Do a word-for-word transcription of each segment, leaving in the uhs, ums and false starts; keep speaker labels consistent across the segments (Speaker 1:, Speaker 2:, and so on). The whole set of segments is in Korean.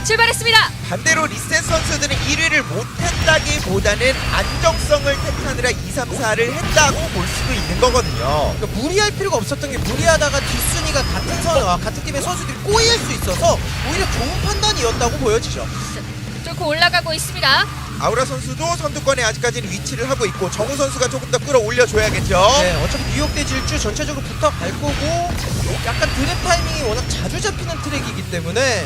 Speaker 1: 출발했습니다.
Speaker 2: 반대로 리셋 선수들은 일 위를 못했다기보다는 안정성을 택하느라 이, 삼, 사를 했다고 볼 수도 있는 거거든요.
Speaker 3: 그러니까 무리할 필요가 없었던 게 무리하다가 뒷순위가 같은 선, 아, 같은 팀의 선수들이 꼬일 수 있어서 오히려 좋은 판단이었다고 보여지죠.
Speaker 1: 뚫고 올라가고 있습니다.
Speaker 2: 아우라 선수도 선두권에 아직까지는 위치를 하고 있고 정우 선수가 조금 더 끌어올려줘야겠죠.
Speaker 3: 네, 어차피 뉴욕대 질주 전체적으로 붙어갈 거고 약간 드랩 타이밍이 워낙 자주 잡히는 트랙이기 때문에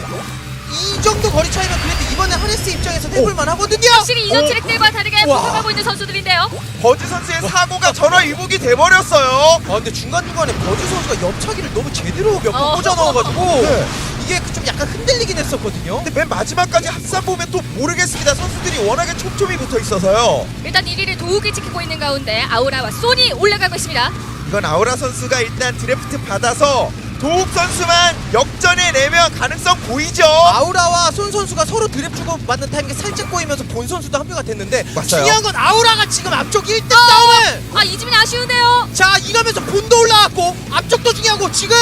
Speaker 3: 이 정도 거리 차이면 그래도 이번에 하네스 입장에서 해볼만 하거든요.
Speaker 1: 확실히 이전
Speaker 2: 오.
Speaker 1: 트랙들과 다르게
Speaker 3: 우와.
Speaker 1: 붙어가고 있는 선수들인데요.
Speaker 2: 버즈 선수의 사고가 전화위복이 돼버렸어요.
Speaker 3: 아 근데 중간중간에 버즈 선수가 옆차기를 너무 제대로 몇 번
Speaker 1: 어.
Speaker 3: 꽂아 넣어가지고
Speaker 2: 네.
Speaker 3: 이게 좀 약간 흔들리긴 했었거든요.
Speaker 2: 근데 맨 마지막까지 합산 보면 또 모르겠습니다. 선수들이 워낙에 촘촘히 붙어 있어서요.
Speaker 1: 일단 일 위를 도욱이 지키고 있는 가운데 아우라와 소니 올라가고 있습니다.
Speaker 2: 이건 아우라 선수가 일단 드래프트 받아서 도욱 선수만 역전해 내면 가능성 보이죠.
Speaker 3: 아우라와 손 선수가 서로 드랩 주고 맞는 타이밍에 살짝 꼬이면서 본 선수도 합류가 됐는데
Speaker 2: 맞아요.
Speaker 3: 중요한 건 아우라가 지금 앞쪽 일 등 싸움을
Speaker 1: 아 이지민 아쉬운데요.
Speaker 3: 자 이러면서 본도 올라왔고 앞쪽도 중요하고 지금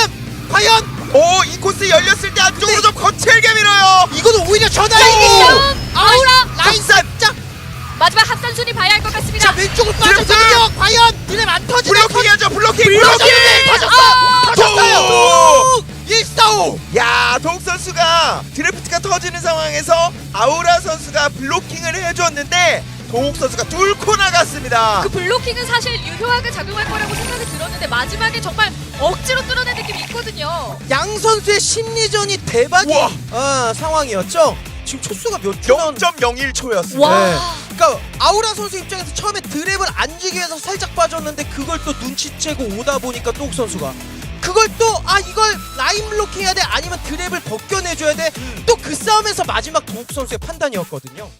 Speaker 3: 과연
Speaker 2: 오, 이 코스 열렸을 때 안쪽으로 좀 거칠게 밀어요.
Speaker 3: 이거는 오히려
Speaker 2: 오!
Speaker 3: 전화이고
Speaker 1: 아우라
Speaker 3: 라인
Speaker 2: 합산!
Speaker 3: 짝
Speaker 1: 마지막 합산 순위 봐야 할 것 같습니다.
Speaker 3: 자 왼쪽으로 빠졌거든요. 과연 드랩 안 터지네.
Speaker 2: 블로킹 해야죠. 블로킹.
Speaker 3: 터졌네.
Speaker 2: 블로킹.
Speaker 3: 터졌어. 터졌어요.
Speaker 2: 도욱!
Speaker 3: 일사오.
Speaker 2: 야, 도욱 선수가 드래프트가 터지는 상황에서 아우라 선수가 블로킹을 해줬는데 도욱 선수가 뚫고 나갔습니다.
Speaker 1: 그 블로킹은 사실 유효하게 작용할 거라고 생각이 들었는데 마지막에 정말 억지로 뚫어낸 느낌이 있거든요.
Speaker 3: 양 선수의 심리전이 대박인
Speaker 2: 우와.
Speaker 3: 어, 상황이었죠. 지금 초수가 몇 초?
Speaker 2: 영 점 영일 초였습니다.
Speaker 1: 와.
Speaker 3: 네. 그러니까 아우라 선수 입장에서 처음에 드랩을 안 주기 위해서 살짝 빠졌는데 그걸 또 눈치채고 오다 보니까 도욱 선수가 그걸 또 아 이걸 라인 블록 해야 돼 아니면 드랩을 벗겨내줘야 돼 또 그 싸움에서 마지막 도욱 선수의 판단이었거든요.